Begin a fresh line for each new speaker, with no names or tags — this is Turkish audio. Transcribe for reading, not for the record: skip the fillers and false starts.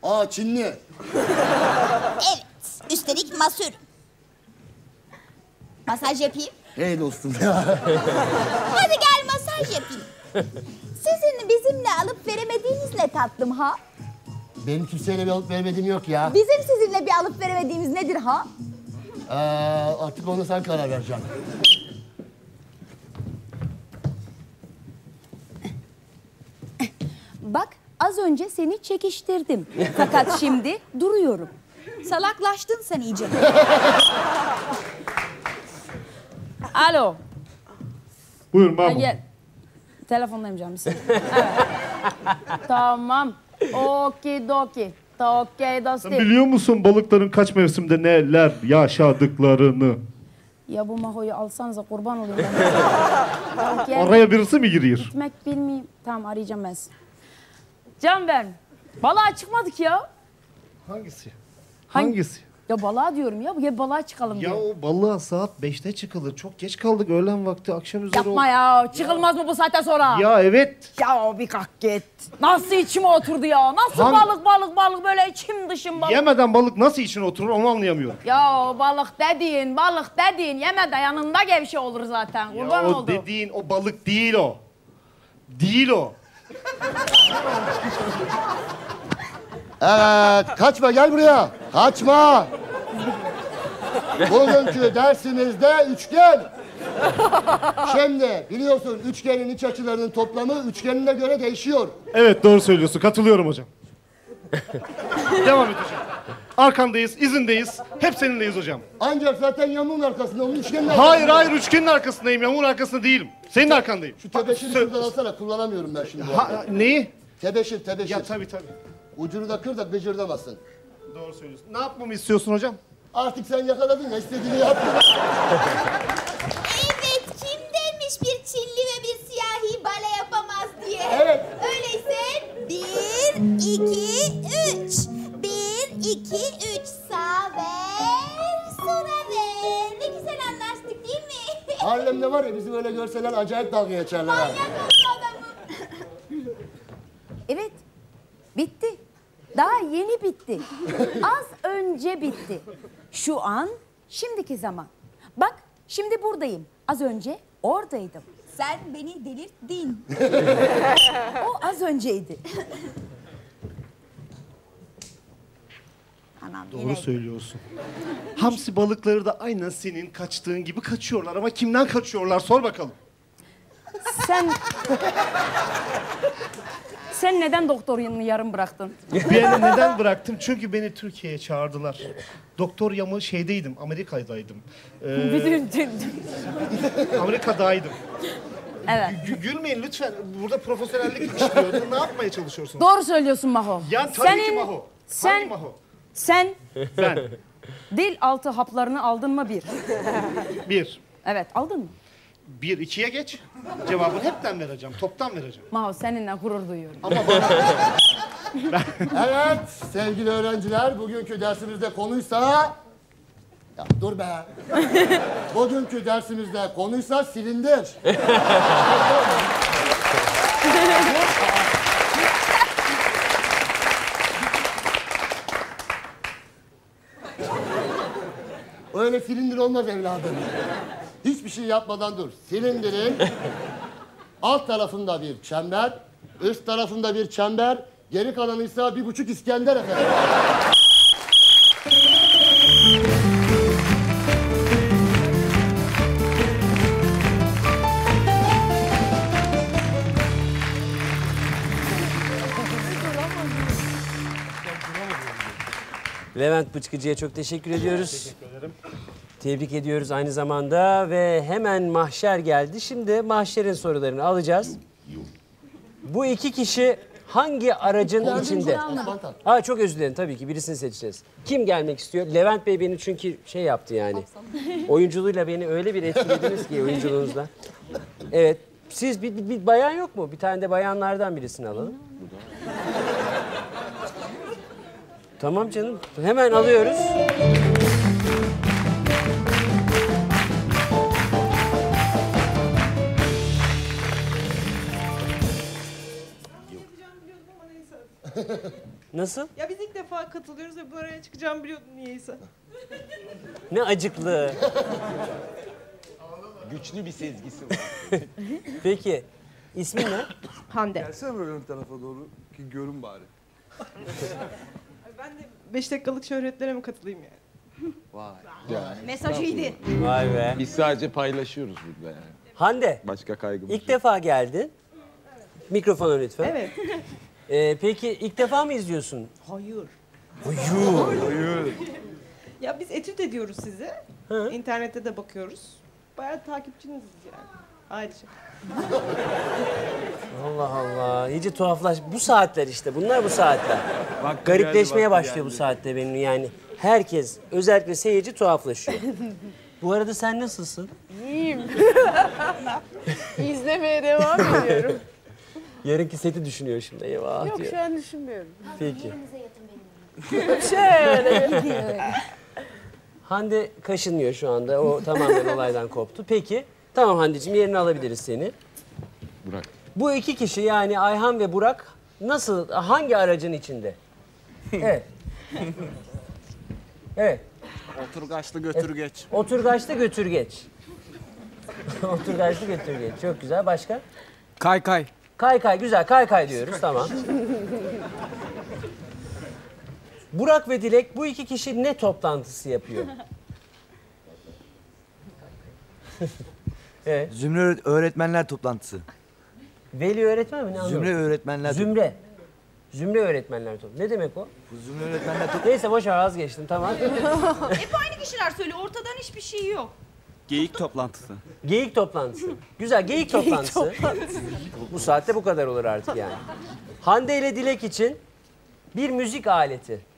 Aa, Çinli.
Evet, üstelik masör. Masaj yapayım.
Hey dostum ya.
Hadi gel masaj yapayım. Sizin bizimle alıp veremediğiniz ne tatlım ha?
Benim kimseyle bir alıp vermediğim yok ya.
Bizim sizinle bir alıp veremediğimiz nedir ha?
Artık ona sen karar vereceksin.
Bak az önce seni çekiştirdim. Fakat şimdi duruyorum.
Salaklaştın sen iyice.
Alo.
Buyurun
Ha,
ben.
gel. Telefondayım canım. Evet. Tamam. Okidoki. Okey dostum.
Biliyor musun balıkların kaç mevsimde neler yaşadıklarını?
Ya bu Maho'yu alsanıza kurban olayım ben. Gel.
Araya birisi mi giriyor?
Gitmek bilmeyeyim. Tamam arayacağım ben sizi. Can ben. Balığa çıkmadık ya.
Hangisi?
Hangi-
Hangisi?
Ya balığa diyorum ya. Gel balığa çıkalım
Ya
diyor.
o balığa saat 5'te çıkılır. Çok geç kaldık öğlen vakti akşam üzeri.
Yapma ya. Çıkılmaz mı bu saatten sonra?
Ya evet.
Ya bir kalk git. Nasıl içime oturdu ya? Nasıl balık böyle içim dışım balık.
Yemeden balık nasıl içine oturur onu anlayamıyorum.
Ya balık dediğin yeme yanında gevşe olur zaten. Kurban
Ya o
oldu.
dediğin o balık değil o. Değil o.
Evet, kaçma gel buraya. Kaçma. Bugünkü dersimizde üçgen. Şimdi biliyorsun üçgenin iç açılarının toplamı üçgenine göre değişiyor.
Evet doğru söylüyorsun. Katılıyorum hocam. Devam et hocam. Arkandayız, izindeyiz. Hep seninleyiz hocam.
Ancak zaten yamuğun arkasında, onun üçgenin
Hayır üçgenin arkasındayım. Yamuğun arkasında değilim. Senin arkandayım.
Şu tebeşiri şuradan alsana, kullanamıyorum ben şimdi. bu arada.
Neyi?
Tebeşir.
Ya tabii.
Ucunu da kır da gıcırdamasın.
Doğru söylüyorsun. Ne yapmamı istiyorsun hocam?
Artık sen yakaladın ya, istediğini yap.
Evet, kim demiş bir Çinli ve bir siyahi bale yapamaz diye?
Evet.
Öyleyse 1, 2, 3. 1, 2, 3. Sağ ver, sola ver. Ne güzel anlaştık değil mi?
Harlem'de var ya, bizi böyle görseler acayip dalga geçerler ha.
Manyak oldu adamım.
Evet. Bitti. Daha yeni bitti. Az önce bitti. Şu an, şimdiki zaman. Bak, şimdi buradayım. Az önce oradaydım.
Sen beni delirttin.
O az önceydi.
Anam
Doğru
yine.
söylüyorsun. Hamsi balıkları da aynen senin kaçtığın gibi kaçıyorlar. Ama kimden kaçıyorlar? Sor bakalım.
Sen neden doktor yanını yarım bıraktın?
Beni neden bıraktım? Çünkü beni Türkiye'ye çağırdılar. Doktor yamı şeydeydim, Amerika'daydım. Amerika'daydım.
Evet.
Gülmeyin lütfen. Burada profesyonellik işliyor. Ne yapmaya çalışıyorsunuz?
Doğru söylüyorsun Maho.
Ya tabii ki Maho. Hangi
Sen,
Maho?
sen
Ben.
dil altı haplarını aldın mı bir?
Bir.
Evet, aldın mı?
1, 2'ye geç. Cevabını hepten vereceğim. Toptan vereceğim.
Maho seninle gurur duyuyorum.
Ama bana...
Evet sevgili öğrenciler, bugünkü dersimizde konuysa... Ya dur be. Bugünkü dersimizde konuysa silindir. Öyle silindir olmaz evladım. Hiçbir şey yapmadan dur. Silindirin alt tarafında bir çember, üst tarafında bir çember, geri kalanıysa 1,5 İskender efendim.
Levent Bıçkıcı'ya çok teşekkür ediyoruz. Teşekkür ederim. Tebrik ediyoruz aynı zamanda ve hemen mahşer geldi. Şimdi mahşerin sorularını alacağız. Bu iki kişi hangi aracın içinde? Ha çok özür dilerim tabii ki birisini seçeceğiz. Kim gelmek istiyor? Levent Bey beni çünkü şey yaptı yani. Oyunculuğuyla beni öyle bir etkilediniz ki oyunculuğunuzla. Evet. Siz bir bayan yok mu? Bir tane de bayanlardan birisini alalım. Tamam canım. Hemen alıyoruz. Nasıl?
Ya biz ilk defa katılıyoruz ve bu araya çıkacağımı biliyordum niyeyse.
Ne acıklı.
Güçlü bir sezgisi var.
Peki ismin ne?
Hande.
Gelsene böyle ön tarafa doğru ki görün bari.
Ben de 5 dakikalık şöhretlere mi katılayım yani?
Vay.
Mesaj iyiydi.
Vay be.
Biz sadece paylaşıyoruz burada yani.
Hande
Başka kaygımız
ilk
yok.
defa geldin. Mikrofona lütfen.
Evet.
Peki ilk defa mı izliyorsun?
Hayır.
Hayır.
Ya biz etüt ediyoruz sizi. İnternette de bakıyoruz. Bayağı takipçiniziz yani. Ayrıca.
Allah Allah. İyice tuhaflaş. Bu saatler işte. Bunlar bu saatler.
Vakti
Garipleşmeye
geldi, vakti
başlıyor bu
geldi.
saatte benim yani. Herkes, özellikle seyirci tuhaflaşıyor. Bu arada sen nasılsın?
İzlemeye devam ediyorum.
Yarınki seti düşünüyor şimdi. Eyvah
Yok
diyor.
şu an düşünmüyorum.
Peki.
Şöyle.
Hande kaşınıyor şu anda. O tamamen olaydan koptu. Peki. Tamam Hande'cim yerini alabiliriz seni.
Burak.
Bu iki kişi yani Ayhan ve Burak nasıl, hangi aracın içinde? Evet. Evet.
Oturgaçlı götür geç.
Oturgaçlı götür geç. Oturgaçlı götür geç. Çok güzel. Başka?
Kay kay.
Kay kay. Güzel. Kay kay diyoruz. Tamam. Burak ve Dilek bu iki kişi ne toplantısı yapıyor? Evet.
Zümre öğretmenler toplantısı.
Veli öğretmen mi? Ne anlamadım?
Zümre öğretmenler
Zümre. Zümre öğretmenler toplantısı. Ne demek o?
Zümre öğretmenler toplantısı.
Neyse boş ver vazgeçtim tamam.
Hep aynı kişiler söylüyor. Ortadan hiçbir şey yok.
Geyik toplantısı.
Geyik toplantısı. Güzel geyik toplantısı. Bu saatte bu kadar olur artık yani. Hande ile Dilek için bir müzik aleti.